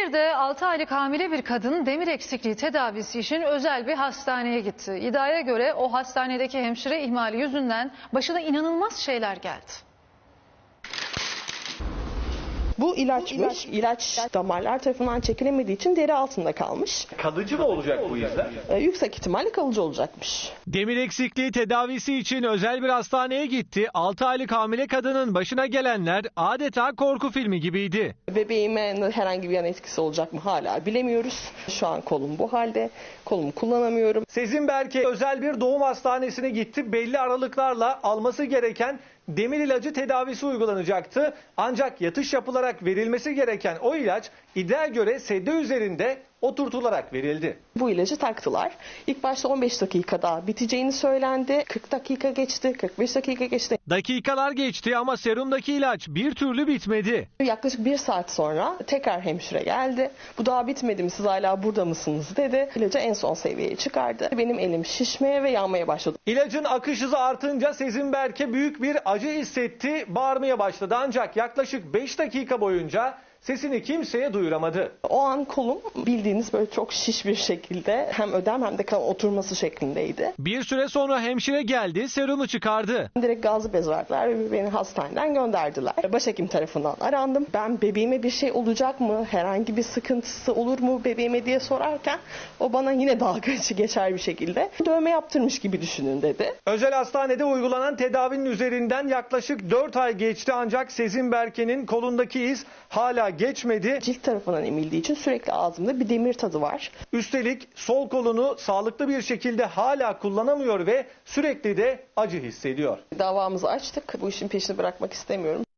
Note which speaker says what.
Speaker 1: İzmir'de 6 aylık hamile bir kadın demir eksikliği tedavisi için özel bir hastaneye gitti. İddiaya göre o hastanedeki hemşire ihmali yüzünden başına inanılmaz şeyler geldi.
Speaker 2: Bu ilaçmış. İlaç damarlar tarafından çekilemediği için deri altında kalmış.
Speaker 3: Kalıcı mı olacak bu izler?
Speaker 2: Yüksek ihtimalle kalıcı olacakmış.
Speaker 4: Demir eksikliği tedavisi için özel bir hastaneye gitti. 6 aylık hamile kadının başına gelenler adeta korku filmi gibiydi.
Speaker 2: Bebeğime herhangi bir yan etkisi olacak mı hala bilemiyoruz. Şu an kolum bu halde. Kolumu kullanamıyorum.
Speaker 3: Sezin Berke özel bir doğum hastanesine gitti. Belli aralıklarla alması gereken demir ilacı tedavisi uygulanacaktı. Ancak yatış yapılarak verilmesi gereken o ilaç iddiaya göre sedye üzerinde oturtularak verildi.
Speaker 2: Bu ilacı taktılar. İlk başta 15 dakikada biteceğini söylendi. 40 dakika geçti, 45 dakika geçti.
Speaker 4: Dakikalar geçti ama serumdaki ilaç bir türlü bitmedi.
Speaker 2: Yaklaşık 1 saat sonra tekrar hemşire geldi. Bu daha bitmedi mi, siz hala burada mısınız dedi. İlacı en son seviyeye çıkardı. Benim elim şişmeye ve yanmaya başladı.
Speaker 3: İlacın akış hızı artınca Sezin Berke büyük bir acı hissetti, bağırmaya başladı. Ancak yaklaşık 5 dakika boyunca sesini kimseye duyuramadı.
Speaker 2: O an kolum bildiğiniz böyle çok şiş bir şekilde hem ödem hem de kan oturması şeklindeydi.
Speaker 4: Bir süre sonra hemşire geldi, serumu çıkardı.
Speaker 2: Direkt gazlı bez verdiler ve beni hastaneden gönderdiler. Başhekim tarafından arandım. Ben bebeğime bir şey olacak mı? Herhangi bir sıkıntısı olur mu bebeğime diye sorarken o bana yine dalga geçer bir şekilde dövme yaptırmış gibi düşünün dedi.
Speaker 3: Özel hastanede uygulanan tedavinin üzerinden yaklaşık 4 ay geçti ancak Sezin Berke'nin kolundaki iz hala geçmedi.
Speaker 2: Cilt tarafından emildiği için sürekli ağzımda bir demir tadı var.
Speaker 3: Üstelik sol kolunu sağlıklı bir şekilde hala kullanamıyor ve sürekli de acı hissediyor.
Speaker 2: Davamızı açtık. Bu işin peşini bırakmak istemiyorum.